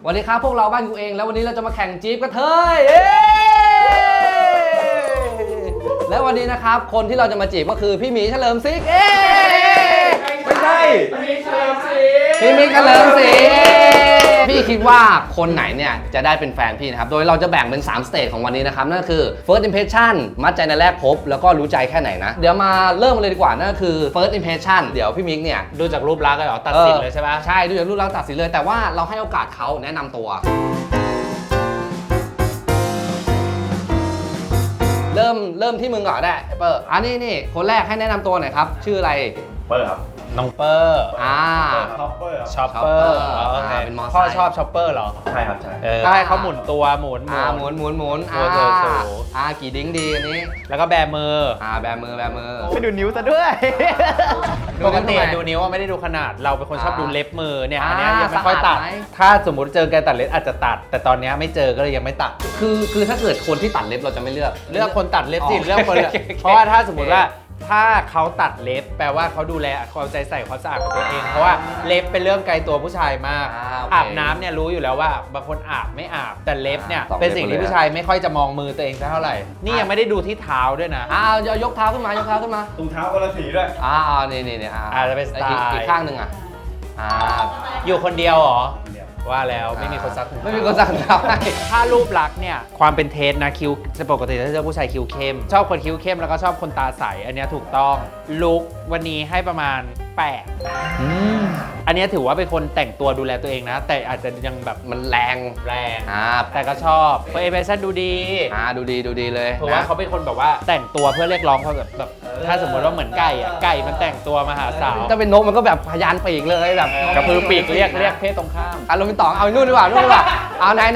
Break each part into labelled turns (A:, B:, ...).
A: วันนี้ครับพวกเราบ้านกูเองแล้ววันนี้เราจะมาแข่งจี๊ปกระเทยและวันนี้นะครับคนที่เราจะมาจีบก็คือพี่หมีเฉลิมศรี
B: ไม่ใช่
A: พี่หมีเฉลิมศรีพี่คิดว่าคนไหนเนี่ยจะได้เป็นแฟนพี่นะครับโดยเราจะแบ่งเป็น3สเตจของวันนี้นะครับนั่นคือ first impression มัดใจในแรกพบแล้วก็รู้ใจแค่ไหนนะเดี๋ยวมาเริ่มเลยดีกว่านั่นคือ first impression เดี๋ยวพี่มิกเนี่ย
C: ดูจากรูปลักษณ์เหรอตัดสินเลยใช่ปะ
A: ใช่ดูจากรูปลักษณ์ตัดสินเลยแต่ว่าเราให้โอกาสเขาแนะนำตัวเริ่มที่มึงก่อนได้เปอร์นี่คนแรกให้แนะนำตัวหน่อยครับชื่ออะไร
B: เปอร์ครับ
C: น้องเปอร์
B: ช็อปเปอร์
C: ช็อปเปอร์
A: เป็นมอไซค์
C: พ่อชอบช็อปเปอร์เหรอ
B: ใช่ครับใช่
C: ก็ให้เขาหมุนตัวหมุน
A: กี่ดิ้งดีอันนี้
C: แล้วก็แบมือ
A: แบมือ
C: ไม่ดูนิ้วซะด้วย
A: ดู
C: ปกติ
A: นิ้วทำไม
C: ดูนิ้วว่าไม่ได้ดูขนาดเราเป็นคนชอบดูเล็บมือเนี่ยอันนี้
A: อ่า
C: ยังไม่ค่อยตัด
A: สะอาดไหม
C: ถ้าสมมติเจอแกตัดเล็บอาจจะตัด แต่ตอนนี้ไม่เจอก็เลยยังไม่ตัด
A: คือถ้าเกิดคนที่ตัดเล็บเราจะไม่เลือก
C: เลือกคนตัดเล็บสิ
A: อ๋อ
C: เลือกคน เพราะว่าถ้าสมมติว่าถ้าเขาตัดเล็บแปลว่าเขาดูแลความใจใส่ความสะอาดของตัวเองเพราะว่าเล็บเป็นเรื่องไกลตัวผู้ชายมาก
A: โเค
C: อาบน้ำเนี่ยรู้อยู่แล้วว่าบางคนอาบไม่อาบแต่เล็บเนี่ย
A: สองเล็บ
C: เป็นสิ่งที่ผู้ชายไม่ค่อยจะมองมือตัวเองสักเท่าไหร่นี่ยังไม่ได้ดูที่เท้าด้วยนะ
A: ยกเท้าขึ้นมายกเท้าขึ้นมา
B: ถุงเท้าคนละสีด้วย
A: นี่
C: อาจจะเป็นสไตล์
A: อีกข้างหนึ่ง
C: อยู่คนเดียวเหรอว่าแล้วไม่มีคนซัก
A: ไม่มีคนซักเท้าให้
C: ถ้ารูปลักษณ์เนี่ยความเป็นเทสนะคิ้วปกติถ้าเจอผู้ชายคิ้วเข้มชอบคนคิ้วเข้มแล้วก็ชอบคนตาใสอันเนี้ยถูกต้องลุควันนี้ให้ประมาณ8อันเนี้ยถือว่าเป็นคนแต่งตัวดูแลตัวเองนะแต่อาจจะยังแบบ
A: มันแรง
C: แต่ก็ชอบเพราะเอเวอร์ชันดูดี
A: ดูดีเลย
C: เพราะว่าเขาเป็นคนแบบว่าแต่งตัวเพื่อเรียกร้องเขาแบบถ้าสมมติว่าเหมือนไก่อะไก่มันแต่งตัวมาหาสาว
A: ถ้าเป็นนกมันก็แบบพยานปีกเลยแบบ
C: กระพือปีกเรียกเพศตรงข้าม
A: ลงเป็นต่อเอานู่นดีกว่าเอาไหน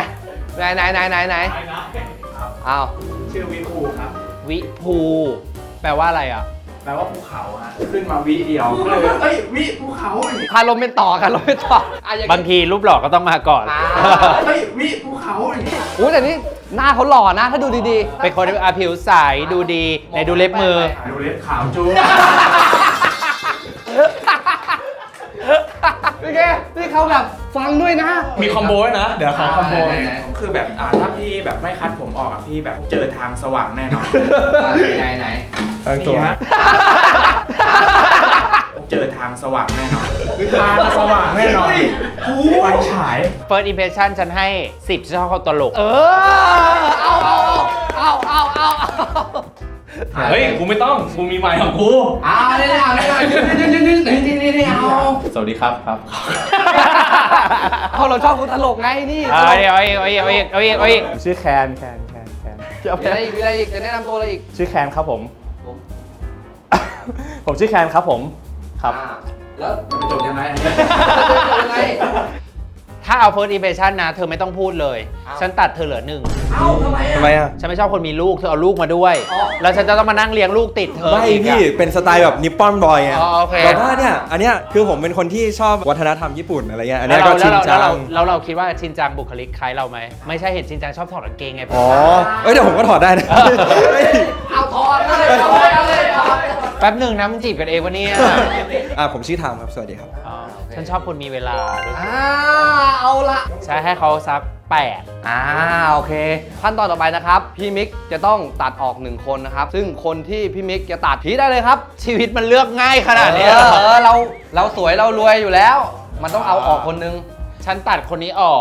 A: เอา
B: ชื่อวิภูครับ
C: วิภูแปลว่าอะไรอ่ะ
B: แปลว่าภูเขาฮะขึ้นมาวิเดียวก็เลยเอ้ยวิภูเขา
A: คารมเป็นต่อ
C: บางทีรูปหล่อก็ต้องมาก่อน
B: เฮ้ยวิภูเขา
A: แต่นี่หน้าเขาหล่อนะถ้าดูดีๆ
C: เป็นคนที่ผิวใสดูดีในดูเล็บมือ
B: ดูเล็บขาวจู๊
A: พี่แกนี่เขาแบบฟังด้วยนะ
B: มีคอมโบด้วยนะเดี๋ยวขอคอมโบ
D: คือแบบถ้าพี่แบบไม่คัดผมออกพี่แบบเจอทางสว่างแน่นอน
A: ไหน
B: ตัว
D: เจอทางสว่างแน่นอน
B: ทางสว่างแน่นอนไฟฉาย
C: First impression ฉันให้ 10ฉันชอบเขาตลก
A: เอา
B: เฮ้ยกูไม่ต้องกูมีไมค์ของกู
A: นี่เอา
B: สวัสดีครับครับ
A: เราชอบคนตลกไงนี่
C: เอาอีก
E: ชื่อแคน
A: มีอะไรอีกจะแนะนำตัวอะไรอีก
E: ชื่อแคนครับผม ผมชื่อแคนครับผมครับ
A: แล้ว
D: จบยังไง
A: ยังไง
C: ถ้าเอา First impression นะเธอไม่ต้องพูดเลย ฉันตัดเธอเหลือ1
A: ทำไม
E: ทำไมอ่ะ
C: ฉันไม่ชอบคนมีลูกเธอเอาลูกมาด้วย แล้วฉันจะต้องมานั่งเลี้ยงลูกติดเธอ
E: ไม่
C: อีก
E: พี่เป็นสไตล์แบบนิปปอนบอยไง
C: โอเค
E: แต่ว่าเนี่ยอันเนี้ยคือผมเป็นคนที่ชอบวัฒนธรรมญี่ปุ่นอะไรเงี้ยอันเนี้ยก็ชินจัง
C: แล้วเราคิดว่าชินจังบุคลิกคล้ายเราไหมไม่ใช่เห็นชินจังชอบถอดกางเกงไง
E: อ๋อเดี๋ยวผมก็ถอดได้นะ
A: เอาถอดเลยถอด
C: แป๊บหนึ่งนะมึงจีบกันเองวะเนี่ย
E: ผมชื่อทามครับสวัสดีครับ
C: ฉันชอบคนมีเวลาด้วย
A: เอาละ
C: ใช้ให้เขาสัก8
A: โอเคขั้นตอนต่อไปนะครับพี่มิกจะต้องตัดออก1คนนะครับซึ่งคนที่พี่มิกจะตัดผีได้เลยครับ
C: ชีวิตมันเลือกง่ายขนาดนี้
A: เราสวยเรารวยอยู่แล้ว มันต้องเอาออกคนนึง
C: ฉันตัดคนนี้ออก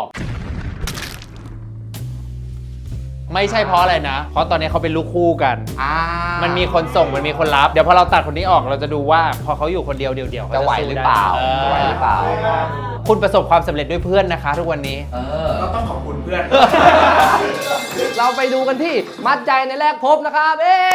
C: ไม่ใช่เพราะอะไรนะ เพราะตอนนี้เขาเป็นลูกคู่กัน มันมีคนส่งมันมีคนรับ เดี๋ยวพอเราตัดคนนี้ออกเราจะดูว่าพอเขาอยู่คนเดียวเดี่ยวๆ
A: จะไหวหรือเปล่าจะไหวหรือเปล่า
C: คุณประสบความสำเร็จด้วยเพื่อนนะคะทุกวันนี้
D: ก็ต้องขอบคุณเพื่อน
A: เราไปดูกันที่มัดใจในแรกพบนะครับ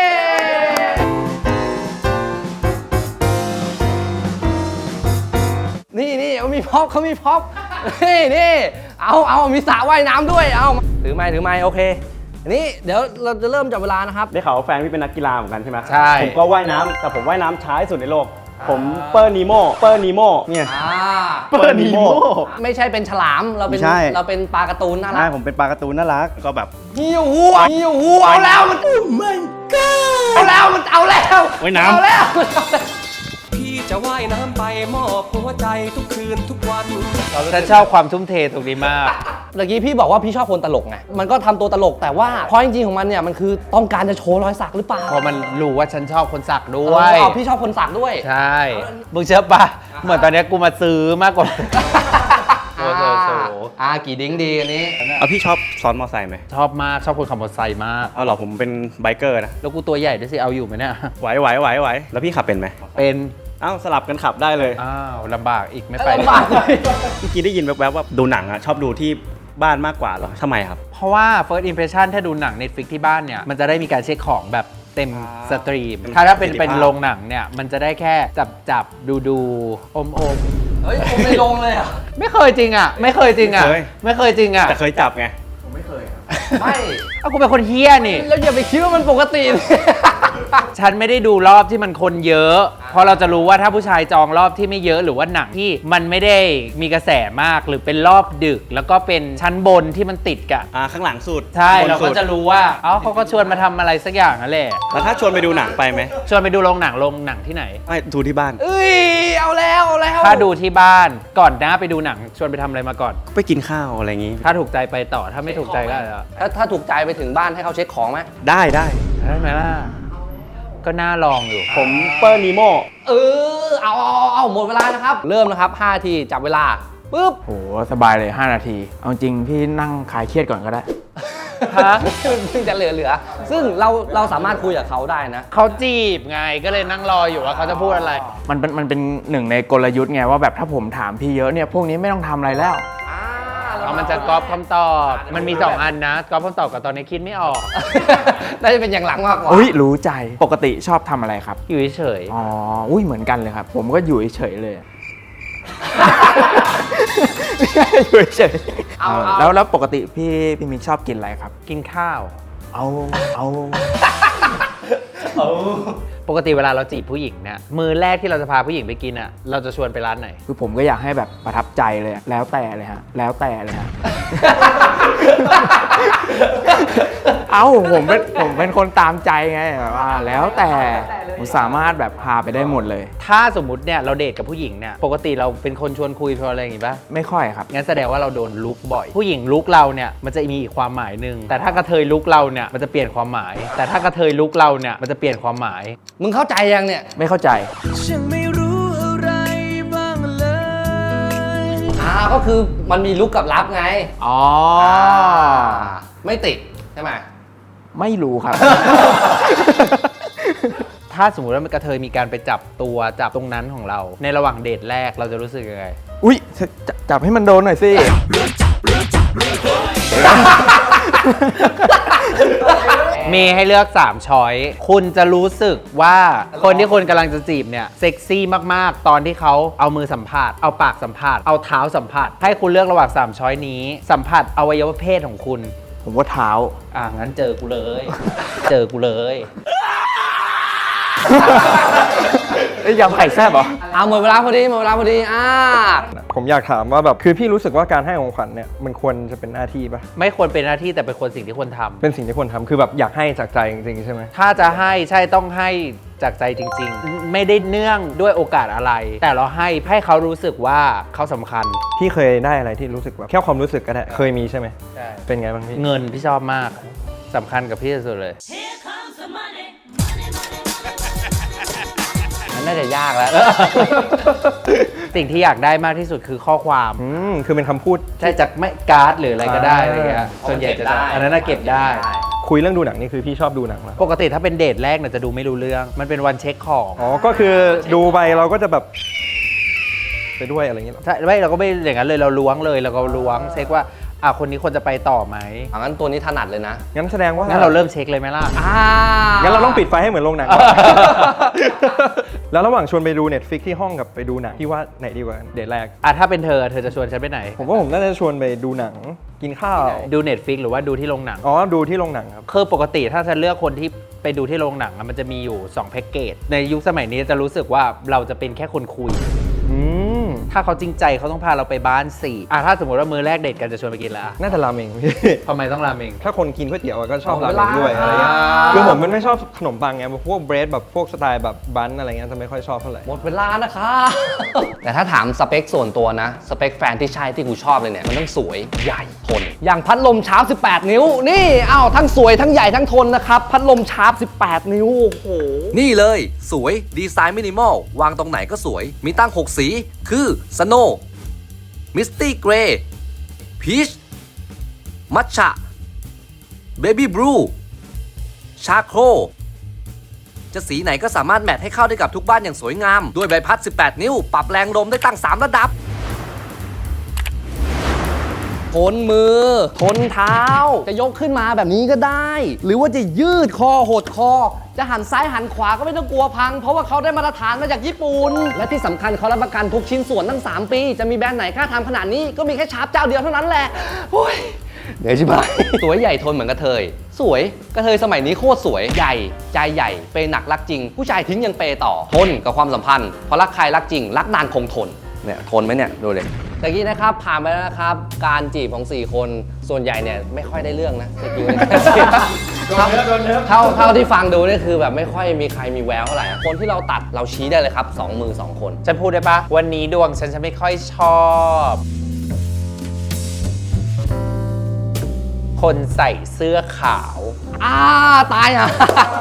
A: นี่เขามีพ็อปนี่เอามีสระว่ายน้ำด้วยเอาถือไม้โอเคนี่เดี๋ยวเราจะเริ่มจับเวลานะครับ
E: ได้ข่าวว่าแฟนพี่เป็นนักกีฬาเหมือนกันใช่ไหม
A: ใช่
E: ผมก็ว่ายน้ำแต่ผมว่ายน้ำช้าที่สุดในโลก ผมเปอร์นีโมเนี่ย เปอร์นีโม
A: ไม่ใช่เป็นฉลามเราเป็น
E: ไม่ใช่
A: เราเป็นปลาการ์ตูนน่ารั
E: ใช่
A: ก
E: ผมเป็นปลาการ์ตูนน่ารักก็แบบ
A: หิวหัวเอาแล้วมันเอาแล้ว
E: ว่ายน้ำ
A: เอาแล้ว
F: พี่จะจะว่ายน้ำไปมอบหัวใจทุกคืนทุกวัน
C: ฉันชอบความทุ่มเทตรงนี้มาก
A: เมื่อกี้พี่บอกว่าพี่ชอบคนตลกไง มันก็ทำตัวตลกแต่ว่าพอจริงๆของมันเนี่ยมันคือต้องการจะโชว์รอยสักหรือเปล่า
C: เพราะมันรู้ว่าฉันชอบคนสักด้วย
A: อ๋อพี่ชอบคนสักด้วย
C: ใช่ มึงเชื่อปะเหมือนตอนเนี้ยกูมาซื้อมากกว่า
A: กี่ดิ้งดีอันนี้
E: เอาพี่ชอบซ้อนมอไซค์ไหม
C: ชอบมากชอบคนขับมอเตอร์ไซค์มาก
E: เอาเหรอผมเป็นไบเกอร์นะ
C: แล้วกูตัวใหญ่ด้วยสิเอาอยู่ไหมเนี่ย
E: ไหวแล้วพี่ขับเป็นไหม
C: เป็น
E: เอ้าสลับกันขับได้เลย
C: อ้าวลำบากอีกไม่ไป
A: ลำบากเลย
E: เมื่อกี้ได้ยินแวบๆว่าดูหนังอะชอบดูที่บ้านมากกว่าเหรอทำไมครับ
C: เพราะว่า first impression ถ้าดูหนัง Netflix ที่บ้านเนี่ย มันจะได้มีการเช็คของแบบเต็มสตรีม ถ้าเป็น
E: ประสิทธิภาพ
C: โรงหนังเนี่ย มันจะได้แค่จับดูอม
A: เฮ้ยผมไม่ลงเลยอ่ะ
C: ไม่เคยจริงอ่ะ ไม่เคยจริงอ่ะ ไม่เคยจริงอ่ะ
E: แต่เคยจับไง
D: ผมไม่เคยครับ
A: ไม่
C: เอากูเป็นคนเฮี้ยนี่
A: แล้วอย่าไปคิดว่ามันปกติเลย
C: ฉันไม่ได้ดูรอบที่มันคนเยอะ เพราะเราจะรู้ว่าถ้าผู้ชายจองรอบที่ไม่เยอะหรือว่าหนังที่มันไม่ได้มีกระแสมากหรือเป็นรอบดึก แล้วก็เป็นชั้นบนที่มันติดกัน
E: ข้างหลังสุด
C: ใช่
E: บน
C: เรา
E: สุ
C: ก็
E: ด
C: จะรู้ว่าเขาก็ชวนมาทำอะไรสักอย่างนั่นแหละ
E: แล้วถ้าชวนไปดูหนังไปไหม
C: ชวนไปดูโรงหนังที่ไหน
E: ไม่ดูที่บ้าน
A: เอ้ยเอาแล้ว
C: ถ้าดูที่บ้านก่อนหน้าไปดูหนังชวนไปทำอะไรมาก่อน
E: ไปกินข้าวอะไรอย่างงี้
C: ถ้าถูกใจไปต่อถ้าไม่ถูกใจก็
A: ถ้าถูกใจไปถึงบ้านให้เขาเช็คของไหม
E: ได้
C: ได้ไหมล่ะก็น่าลองอยู่
E: ผมเปอร์นีโม
A: เอาหมดเวลานะครับ เริ่มนะครับ5ทีจับเวลาปุ๊บ
B: โหสบายเลย 5 นาที เอาจริงพี่นั่งคลายเครียดก่อนก็ได้
C: ฮะ
A: ซึ่งจะเหลือซึ่งเราสามารถคุยกับเขาได้นะ
C: เขาจีบไงก็เลยนั่งรออยู่ว่าเขาจะพูดอะไร
B: มันเป็นหนึ่งในกลยุทธ์ไงว่าแบบถ้าผมถามพี่เยอะเนี่ยพวกนี้ไม่ต้องทำอะไรแล้ว
C: เอามันจะก๊อปคำตอบ มันมี 2 อันนะก๊อปคำตอบกับตอนนี้คิดไม่ออก
A: น่าจะเป็นอย่างหลังมากกว่า
B: อุ้ยรู้ใจปกติชอบทำอะไรครับ
C: อยู่เฉย
B: อ๋ออุ้ยเหมือนกันเลยครับ ผมก็อยู่เฉยๆเลย อยู่เฉย
A: เอา
B: แล้วปกติพี่มิกชอบกินอะไรครับ
C: กินข้าว
B: เอา
C: ปกติเวลาเราจีบผู้หญิงเนี่ยมือแรกที่เราจะพาผู้หญิงไปกินอ่ะเราจะชวนไปร้านไหน
B: คือผมก็อยากให้แบบประทับใจเลยอะแล้วแต่เลยฮะ เอ้าผมเป็นคนตามใจไงแบบว่าแล้วแต่ผมสามารถแบบพาไปได้หมดเลย
C: ถ้าสมมุติเนี่ยเราเดทกับผู้หญิงเนี่ยปกติเราเป็นคนชวนคุยชวนอะไรอย่างงี้ป่ะ
B: ไม่ค่อยครับ
C: งั้นแสดงว่าเราโดนลุกบ่อย ผู้หญิงลุกเราเนี่ยมันจะมีอีกความหมายหนึ่งแต่ถ้ากระเทยลุกเราเนี่ยมันจะเปลี่ยนความหมาย แต่ถ้ากระเทยลุกเราเนี่ยมันจะเปลี่ยนความหมาย
A: มึงเข้าใจยังเนี่ย
B: ไม่เข้าใจ
F: ฉันไม่รู้อะไรบ้างเลย
A: ก็คือมันมีลุกกับรับไง
B: อ๋อ
A: ไม่ติดใช่ไหม
B: ไม่รู้ครับ
C: ถ้าสมมติว่ามันกระเทยมีการไปจับตัวจับตรงนั้นของเรา ในระหว่างเดทแรกเราจะรู้สึกยังไง
B: อุ้ยจับให้มันโดนหน่อยสิ
C: มีให้เลือก3ช้อยคุณจะรู้สึกว่าคนที่คุณกำลังจะจีบเนี่ยเซ็กซี่มากๆ ตอนที่เขาเอามือสัมผัสเอาปากสัมผัสเอาเท้าสัมผัสให้คุณเลือกระหว่าง3ช้อยนี้สัมผัสอวัยวะเพศของคุณ
B: ผมว่าเท้า
C: งั้นเจอกูเลย เจอกูเลย
B: ยำไข่แซ่บเหรอ
A: หมดเวลาพอดี
G: ผมอยากถามว่าแบบคือพี่รู้สึกว่าการให้ของขวัญเนี่ยมันควรจะเป็นหน้าที่ปะ
C: ไม่ควรเป็นหน้าที่แต่เป็นสิ่งที่ควรทำ
G: เป็นสิ่งที่ควรทำคือแบบอยากให้จากใจจริงๆใช่ไหม
C: ถ้าจะให้ใช่ต้องให้จากใจจริงๆ ไม่ได้เนื่องด้วยโอกาสอะไร แต่เราให้เขารู้สึกว่าเขาสำคัญ
G: พี่เคยได้อะไรที่รู้สึกแบบแค่ความรู้สึกก็ได้เคยมีใช่ไหม
C: ใช่
G: เป็นไงบ้างพี่
C: เงินพี่ชอบมากสำคัญกับพี่ที่สุดเลย
A: มันน่าจะยากแล้ว
C: สิ่งที่อยากได้มากที่สุดคือข้อความ
G: คือเป็นคำพูด
C: ใช่จากไม่การ์ดหรืออะไรก็ได้อะไรเงี้ยส่วนใหญ่จะอันนั้นน่ะเก็บได้
G: คุยเรื่องดูหนังนี่คือพี่ชอบดูหนังเหรอ
C: ปกติถ้าเป็นเดทแรกเนี่ยจะดูไม่รู้เรื่อง มันเป็นวันเช็คของ
G: อ๋อก็คือดูไปเราก็จะแบบไปด้วยอะไรอย่างเงี้ยเหรอ
C: ใช่ไม่เราก็ไม่อย่างนั้นเลยเราล้วงเลยเราก็ล้วงเช็คว่าคนนี้ควรจะไปต่อไหม
A: งั้นตัวนี้ถนัดเลยนะ
G: งั้นแสดงว่า
C: งั้นเราเริ่มเช็คเลยไหมล่ะ
G: งั้นเราต้องปิดไฟให้เหมือนโรงหนัง แล้วระหว่างชวนไปดู Netflix ที่ห้องกับไปดูหนังพี่ว่าไหนดีกว่ากันเดทแรก
C: ถ้าเป็นเธอจะชวนฉันไปไหน
G: ผมว่าผมน่าจะชวนไปดูหนังกินข้าว
C: ดู Netflix หรือว่าดูที่โรงหนัง
G: อ๋อดูที่โรงหนังครับ
C: คือปกติถ้าฉันเลือกคนที่ไปดูที่โรงหนังมันจะมีอยู่2แพ็กเกจในยุคสมัยนี้จะรู้สึกว่าเราจะเป็นแค่คนคุยถ้าเขาจริงใจเขาต้องพาเราไปบ้านสิถ้าสมมติว่ามื้อแรกเดทกันจะชวนไปกินแล้ว
G: น่าจะราเมงพี่
C: ทำไมต้องราเมง
G: ถ้าคนกินก๋วยเตี๋ยวก็ชอบ
A: อ๋อ
G: ราเมงด้วย
A: เวลา
G: อะไรเงี้ยคือผมมันไม่ชอบขนมปังไงพวกเบรดแบบพวกสไตล์แบบบันอะไรเงี้ยจะไม่ค่อยชอบเท่าไหร่
A: หมดเวลานะครับ แต่ถ้าถามสเปคส่วนตัวนะ สเปคแฟนที่ใช่ที่กูชอบเลยเนี่ย มันต้องสวยใหญ่ทน อย่างพัดลมชาร์ป18 นิ้ว นี่อ้าวทั้งสวยทั้งใหญ่ทั้งทนนะครับ พัดลมชาร์ป18 นิ้ว โอ้โห นี่เลยสวยดีไซน์มินิมอลวางตรงไหนก็สวย มีตั้ง 6 สีคือสโนว์มิสตี้เกรย์พีชมัทฉะเบบี้บลูชาโครจะสีไหนก็สามารถแมทให้เข้าได้กับทุกบ้านอย่างสวยงาม ด้วยใบพัด 18 นิ้ว ปรับแรงลมได้ตั้ง 3 ระดับ ทนมือ ทนเท้า จะยกขึ้นมาแบบนี้ก็ได้ หรือว่าจะยืดคอหดคอ จะหันซ้ายหันขวาก็ไม่ต้องกลัวพัง เพราะว่าเขาได้มาตรฐานมาจากญี่ปุ่น และที่สำคัญเขารับประกันทุกชิ้นส่วนตั้ง 3 ปี จะมีแบรนด์ไหนกล้าทำขนาดนี้ก็มีแค่ชาร์ปเจ้าเดียวเท่านั้นแหละโอ้ย เดี๋ยวชิบหาย สวยใหญ่ทนเหมือนกระเทย สวยกระเทยสมัยนี้โคตรสวยใหญ่ใจใหญ่เปย์หนักรักจริง ผู้ชายทิ้งยังเปย์ต่อทนกับความสัมพันธ์เพราะรักใครรักจริง รักนานคงทนเนี่ยทนไหมเนี่ยดูเลยตะกี้นะครับผ่านไปแล้วนะครับการจีบของ4คนส่วนใหญ่เนี่ยไม่ค่อยได้เรื่องนะสกิลในการจีบเท่าที่ฟังดูนี่คือแบบไม่ค่อยมีใครมีแววเท่าไหร่อะคนที่เราตัดเราชี้ได้เลยครับ2 มือ 2 คน
C: ฉันพูดได้ปะวันนี้ดวงฉันไม่ค่อยชอบคนใส่เสื้อขาว
A: ตายอ่ะ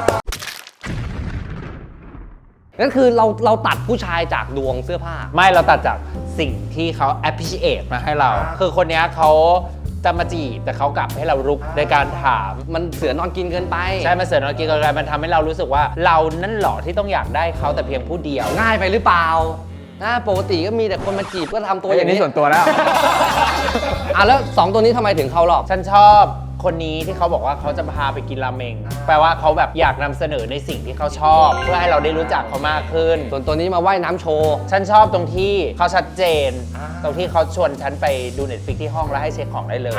A: นั่นคือเราตัดผู้ชายจากดวงเสื้อผ้า
C: ไม่เราตัดจากสิ่งที่เขา appreciate มาให้เรา คือคนเนี้ยเขาจะมาจีบแต่เขากลับให้เรารุกในการถาม
A: มันเสือนอนกินเกินไป
C: ใช่มาเสริมเรากินกันมันทำให้เรารู้สึกว่าเรานั่นหรอที่ต้องอยากได้เขาแต่เพียงผู้เดียว
A: ง่ายไปหรือเปล่าปกติก็มีแต่คนมาจีบก็ทำตัวอย่างนี้
B: ส่วนตัวแล้ว
A: แล้ว2ตัวนี้ทำไมถึงเข้ารอบ
C: ฉันชอบคนนี้ที่เขาบอกว่าเขาจะพาไปกินราเมง แปลว่าเขาแบบอยากนำเสนอในสิ่งที่เขาชอบ เพื่อให้เราได้รู้จักเขามากขึ้น
A: ส่วนตัวนี้มาว่ายน้ำโชว์
C: ฉันชอบตรงที่เขาชัดเจน ตรงที่เขาชวนฉันไปดู Netflix ที่ห้องแล้วให้เช็คของได้เลย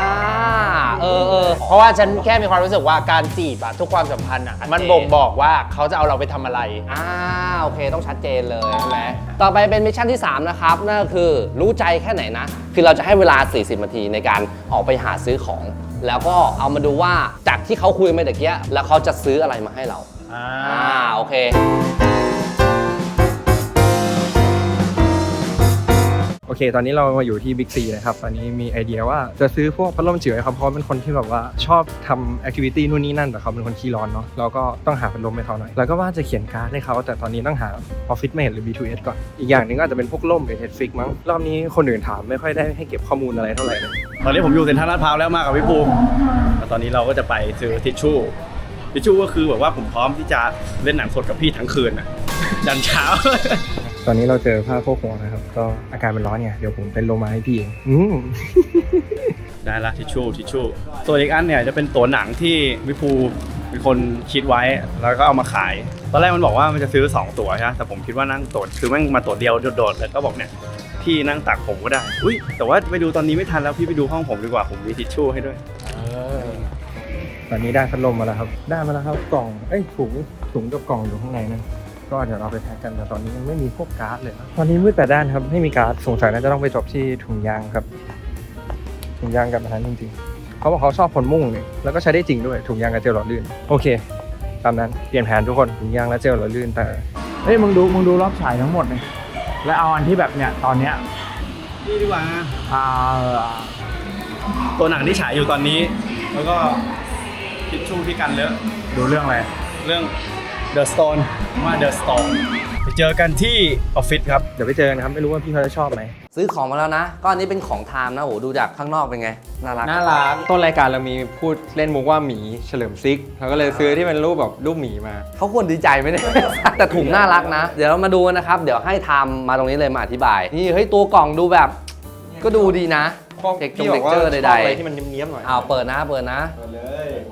C: เพราะว่าฉันแค่มีความรู้สึกว่าการจีบอะทุกความสัมพันธ์อะมันบ่งบอกว่าเขาจะเอาเราไปทำอะไร
A: โอเคต้องชัดเจนเลยใช่ไหมต่อไปเป็นมิชชั่นที่ 3 นะครับ นั่นก็คือรู้ใจแค่ไหนนะ คือเราจะให้เวลา 40 นาทีในการออกไปหาซื้อของ แล้วก็เอามาดูว่าจากที่เขาคุยมาตะเกียแล้วเขาจะซื้ออะไรมาให้เรา โอเค
G: โอเค ตอนนี้เรามาอยู่ที่บิ๊กซีนะครับ ตอนนี้มีไอเดียว่าจะซื้อพวกพัดลมจิ๋วให้เขาเพราะเป็นคนที่แบบว่าชอบทำแอคทิวิตี้นู่นนี่นั่นแต่เขาเป็นคนขี้ร้อนเนาะเราก็ต้องหาพัดลมให้เขาหน่อยแล้วก็ว่าจะเขียนการ์ดให้เขาแต่ตอนนี้ต้องหาออฟฟิศเมทหรือ B2S ก่อนอีกอย่างหนึงก็อาจจะเป็นพวกล่มหรือ Netflix มั้งรอบนี้คนอื่นถามไม่ค่อยได้ให้เก็บข้อมูลอะไรเท่าไหร่เลย
E: ตอนนี้ผมอยู่เซ็นทรัลลาดพร้าวแล้วมากับพี่ภูมิแล้วตอนนี้เราก็จะไปซื้อทิชชู่ก็คือแบบว่าผมพร้อมที่จะเล่นหนังสดกับพี่ทั้งคืนน่ะยันเช้า
G: ตอนนี้เราเจอผ้าโพกหัวนะครับก็อาการมันร้อนเนี่ยเดี๋ยวผมเป็นโลมาให้พี่เอง
E: ได้ละทิชชู่ส่วนอีกอันเนี่ยจะเป็นตัวหนังที่พี่ภูเป็นคนคิดไว้แล้วก็เอามาขายตอนแรกมันบอกว่ามันจะซื้อ2ตัวใช่ไหมแต่ผมคิดว่านั่งตัวคือแม่งมาตัวเดียวโดดๆแล้วก็บอกเนี่ยพี่นั่งตักผมก็ได้อุ้ยแต่ว่าไปดูตอนนี้ไม่ทันแล้วพี่ไปดูห้องผมดีกว่าผมมีทิชชู่ให้ด้วย
G: ตอนนี้ได้พัดลมมาแล้วครับได้มาแล้วครับกล่องถุงกับกล่องอยู่ข้างในนั่นก็เดี๋ยวเราไปแพ็กกันแต่ตอนนี้ยังไม่มีพวกการ์ดเลยนะตอนนี้มืดแปดด้านครับไม่มีการ์ดสงสัยน่าจะต้องไปจบที่ถุงยางครับถุงยางกับอันนั้นจริงๆเขาบอกเขาชอบผลมุ่งเนี่ยแล้วก็ใช้ได้จริงด้วยถุงยางกับเจลหล่อลื่นโอเคตามนั้นเปลี่ยนแผนทุกคนถุงยางและเจลหล่อลื่นแต่
B: เฮ้ยมึงดูรอบฉายทั้งหมดเลยแล้วเอาอันที่แบบเนี่ยตอนเนี้ย
E: นี่ดีกว่าตัวหนังที่ฉายอยู่ตอนนี้แล้วก็ทิชชู่ที่กันเลอะ
B: ดูเรื่องอะไร
E: เรื่อง The Stone The Stone ไปเจอกันที่ออฟฟิศครับ
G: เดี๋ยวไปเจอกันครับไม่รู้ว่าพี่เขาจะชอบไหม
A: ซื้อของมาแล้วนะก็อันนี้เป็นของไทม์นะโหดูจากข้างนอกเป็นไงน่ารัก
B: ต้นรายการเรามีพูดเล่นมุกว่าหมีเฉลิมซิกเราก็เลยซื้อที่เป็นรูปแบบรูปหมีมา
A: เขาควรดีใจไหมเนี่ย แต่ถุงน่ารักนะ เดี๋ยวเรามาดูกันนะครับเดี๋ยวให้ไทม์มาตรงนี้เลยมาอธิบายนี่เฮ้ยตัวกล่องดูแบบก็ดูดีนะเทคเจอร์ใดๆ
G: อะไรที่มันเนี้ยบๆหน่อย
A: เปิดนะ
E: เลย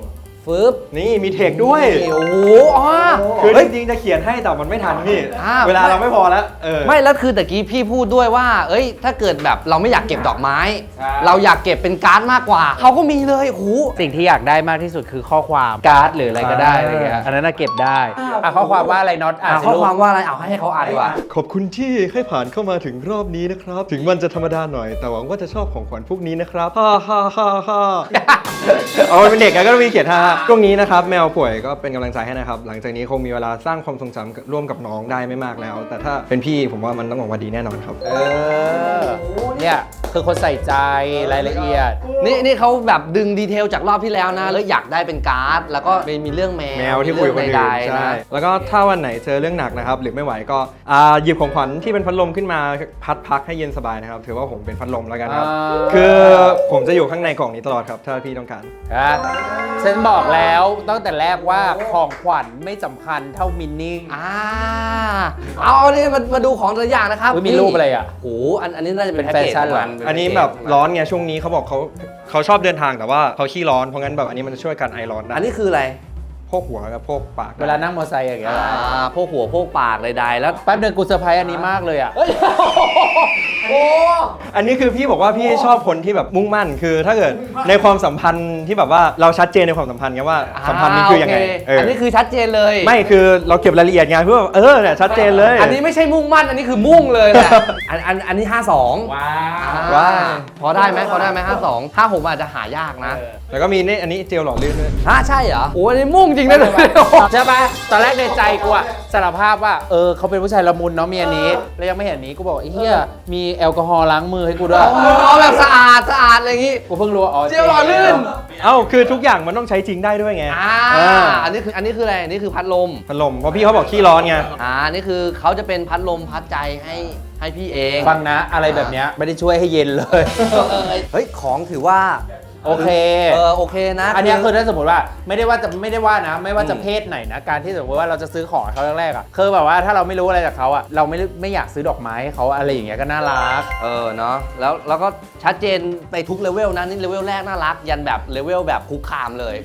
A: ฟึบ
G: นี่มีเทคด้วย
A: นี่โอ้โหอ๋อ
G: คือ
A: เฮ้ย
G: จริงๆจะเขียนให้แต่มันไม่ทันพี่
A: อ่า
G: เวลาเราไม่พอแล้ว
A: ไม่แล้วคือตะกี้พี่พูดด้วยว่า เอ้ย ถ้าเกิดแบบเราไม่อยากเก็บดอกไม้ เราอยากเก็บเป็นการ์ดมากกว่า เขาก็มีเลยโอ้โห
C: สิ่งที่อยากได้มากที่สุดคือข้อความการ์ดหรืออะไรก็ได้อะไรเงี้ยอันนั้นน่ะเก็บได้ข้อความว่าอะไรน็อตอ่านสิ
A: ข้อ
C: ลูก
A: ความว่าอะไรเอาให้เขาอ่านดีกว่า
G: ขอบคุณที่ให้ผ่านเข้ามาถึงรอบนี้นะครับ ถึงมันจะธรรมดาหน่อย แต่หวังว่าจะชอบของขวัญพวกนี้นะครับฮ่าฮ่าฮ่าฮ่าเอาเป็นเด็กก็ต้องมีเขียนฮ่าช่วงนี้นะครับแมวป่วยก็เป็นกำลังใจให้นะครับ หลังจากนี้คงมีเวลาสร้างความทรงจำร่วมกับน้องได้ไม่มากแล้ว แต่ถ้าเป็นพี่ผมว่ามันต้องออกมาดีแน่นอนครับ
C: เนี่ยคือคนใส่ใจรายละเอียด
A: นี่เขาแบบดึงดีเทลจากรอบที่แล้วนะแล้วอยากได้เป็นการ์ด แล้วก็มีเรื่องแม
G: แมวที่คุยกับคนอื่น
A: ใดๆ
G: ใช่
A: นะ
G: แล้วก็ถ้าวันไหนเจอเรื่องหนักนะครับหรือไม่ไหวก็หยิบของขวัญที่เป็นพัดลมขึ้นมาพักให้เย็นสบายนะครับถือว่าผมเป็นพัดลมแล้วกันครับคือผมจะอยู่ข้างในกล่องนี้ตลอดครับถ้าพี่ต้องการ
C: ฉันบอกแล้วตั้งแต่แรกว่าของขวัญไม่สำคัญเท่ามินนิ่ง
A: เอานี่มาดูของแต่ละอย่างนะครับ
C: อุ๊ยมีรูปอะไรอ่ะ
A: โอ้โหอันนี้น่าจะเป็น
C: เป็นแฟชั่น
A: พ็กเกจของมั
G: อันนี้แบบร้อนไงช่วงนี้เขาบอกเขาชอบเดินทางแต่ว่าเขาขี้ร้อนเพราะงั้นแบบอันนี้มันจะช่วยกันไอร้อนได้
A: อันนี้คืออะไร
G: โพกหัวกับโพกปาก
C: เวลานั่งมอเตอร์ไซค์อย่างเงี้ย
A: พวกหัวพวกปากใดๆแล้ว
C: แป๊บเดียวกูเซอร์ไพรส์อันนี้มากเลยอ่ะ
A: โอ้
G: อันนี้คือพี่บอกว่าพี่ชอบคนที่แบบมุ่งมั่นคือถ้าเกิดในความสัมพันธ์ที่แบบว่าเราชัดเจนในความสัมพันธ์ไงว่าสัมพันธ์นี้คือยังไง
A: โอันนี้คือชัดเจนเลย
G: ไม่คือเราเก็บรายละเอียดไงเพื่อเนี่ยชัดเจนเลย
A: อันนี้ไม่ใช่มุ่งมั่นอันนี้คือมุ่งเลยแหละอันนี้ 52
G: ว้าว
A: พอได้ไหม52 56อาจจะหายากนะ
G: แล้วก็มีนี่อันนี้เจลหล่อลื่นด้วย
A: ใช่เหรอโอ้อันนี้มุ่งจริงนะ
C: ใช่ปะตอนแรกในใจกูอะสารภาพว่าเขาเป็นผู้ชายละมุนเนาะมีอันนี้แล้วยังไม่เห็นนี้กูบอกไอ้เหี้ยมีแอลกอฮอล์ล้างมือให้กูด้วย
A: เอาแบบสะอาดอะไรอย่างงี้
C: กูเพิ่งรู้ว่าอ๋อ
A: เจลหล่อลื่น
G: เอ้าคือทุกอย่างมันต้องใช้จริงได้ด้วยไง
A: อันนี้คืออะไรอันนี้คือพัดลม
G: พัดลมเพราะพี่เขาบอกขี้ร้อนไง
A: นี่คือเขาจะเป็นพัดลมพัดใจให้พี่เอง
C: ฟังนะอะไรแบบเนี้ยไม่ได้ช่วยให้เย็นเลย
A: เฮ้ยของถือว่า
C: โอเค
A: โอเคนะ
C: อันเนี้ยคือถ้าสมมติว่าไม่ได้ว่านะ ไม่ว่าจะเพศไหนนะการที่สมมติว่าเราจะซื้อของให้เขาแรกๆอ่ะคือแบบว่าถ้าเราไม่รู้อะไรจากเขาอ่ะเราไม่อยากซื้อดอกไม้ให้เขาอะไรอย่างเงี้ยก็น่ารัก
A: เนาะแล้วก็ชัดเจนไปทุกเลเวลนะนี่เลเวลแรกน่ารักยันแบบเลเวลแบบคุกคามเลย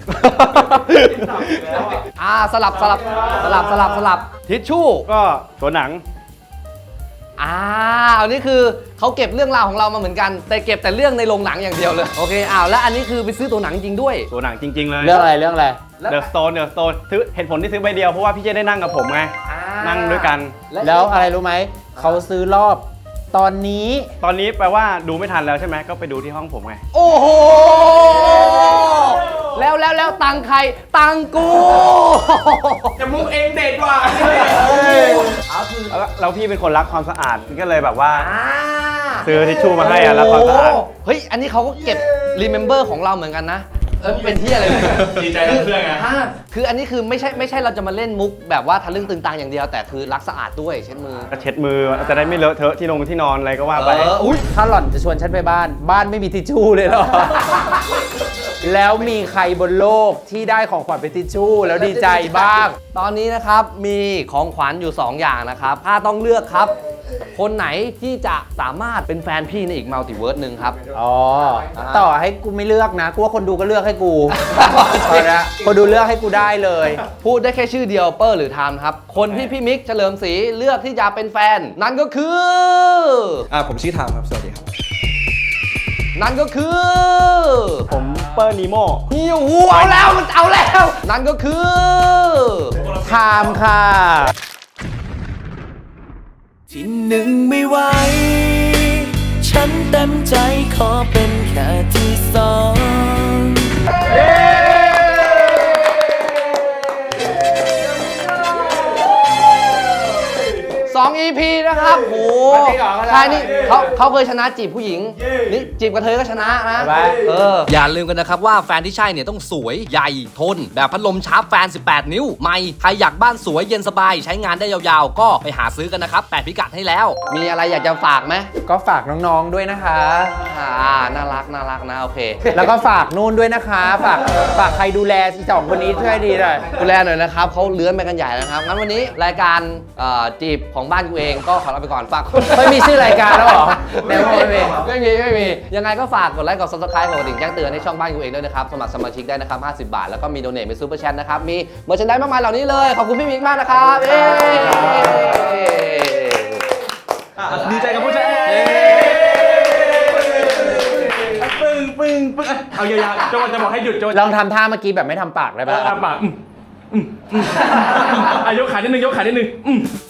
A: สลับทิชชู่
E: ก็ตัวหนัง
A: อันนี้คือเขาเก็บเรื่องราวของเรามาเหมือนกัน แต่เก็บแต่เรื่องในโรงหนังอย่างเดียวเลยโอเคแล้วอันนี้คือไปซื้อตัวหนังจริงด้วย
E: ตัวหนังจริง ๆ เลย
C: เรื่องอะไร
E: เดอะสโตนซื้อเหตุผลที่ซื้อใบเดียวเพราะว่าพี่จะได้นั่งกับผมไงนั่งด้วยกัน
C: แล้วอะไรรู้ไหมเขาซื้อรอบตอนนี้
E: ตอนนี้แปลว่าดูไม่ทันแล้วใช่ไหมก็ไปดูที่ห้องผมไง
A: โอ้โหแล้วตังใครตังกู
D: จะมุกเองเด็ดว่ะ
E: แล้วพี่เป็นคนรักความสะอาดก็เลยแบบว่าซื้อทิชชู่มาให้รักความสะอาด
A: เฮ้ยอันนี้เขาก็เก็บ remember ของเราเหมือนกันนะเป็นที่อะไรเนี่ย
D: ดีใจกับเพื่อนไง
A: คืออันนี้คือไม่ใช่เราจะมาเล่นมุกแบบว่าทะลึ่งตึงตังอย่างเดียวแต่คือรักสะอาดด้วยเช็ดมือ
E: ก็เช็ดมือจะได้ไม่เลอะเทอะที่นอนอะไรก็ว่าไป
A: อุ้ย
C: ถ้าหล่อนจะชวนฉันไปบ้านไม่มีทิชชู่เลยเหรอ แล้วมีใครบนโลกที่ได้ของขวัญเป็นทิชชู่แล้วดีใจบ้าง
A: ตอนนี้นะครับมีของขวัญอยู่ 2 อย่างนะครับถ้าต้องเลือกครับ คนไหนที่จะสามารถเป็นแฟนพี่ในอีกมัลติเวิร์สหนึ่งครับ
C: ต่อให้กูไม่เลือกนะกูว่าคนดูก็เลือกให้กูตอนนี้คนดูเลือกให้กูได้เลย
A: พูดได้แค่ชื่อเดียวเปอร์หรือไทม์ครับ คนที่พี่มิกเฉลิมศรีเลือกที่จะเป็นแฟน นั่นก็คือ
G: ผมชื่อทามครับสวัสดีครับ
A: นั่นก็คือ
E: ผมเปอร์นีโม
A: หิวหูเอาแล้วมันเอาแล้ว นั่นก็คือ
C: ไทม์ค่ะ
F: ที่หนึ่งไม่ไหว ฉันเต็มใจขอเป็นแค่ที่สอง
A: 2 EP นะครับโหใช่นี่เขาเคยชนะจีบผู้หญิง นี่จีบกระเทยก็ชนะนะ อย่าลืมกันนะครับว่าแฟนที่ใช่เนี่ยต้องสวยใหญ่ทน แบบพัดลมชาร์ปแฟน 18 นิ้วใหม่ใครอยากบ้านสวยเย็นสบายใช้งานได้ยาวๆ ก็ไปหาซื้อกันนะครับ8พิกัดให้แล้ว มีอะไรอยากจะฝากไหม
C: ก็ฝากน้องๆด้วยนะคะ
A: น่ารักนะโอเค
C: แล้วก็ฝากนู่นด้วยนะคะ ฝากใครดูแลที่สองคนนี้ช่วยดีหน่อย
A: ดูแลหน่อยนะครับเขาเลื้อนไปกันใหญ่แล้วนะครับงั้นวันนี้รายการจีบของบ้านกูเองก็ขอลาไปก่อนฝาก
C: ไม่มีชื่อรายการแล้วเหรออในโมไม่มี
A: ไม่มี ยังไงก็ฝากกดไลค์กด subscribe กดกระดิ่งแจ้งเตือนให้ช่องบ้านกูเองด้วยนะครับ สมัครสมาชิกได้นะครับ 50 บาท แล้วก็มีโดเนทเป็นซูเปอร์แชทนะครับ มีเมอร์ชันไดมากมายเหล่านี้เลย ขอบคุณพี่มิกมากนะครับเย้
D: ดีใจกับผู้ชายปึ้งเอายาวๆโจจะบอกให้หยุดโจ
C: ลองทำท่าเมื่อกี้แบบไม่ทำปากได้ปะ
D: ปากยกขานิดนึง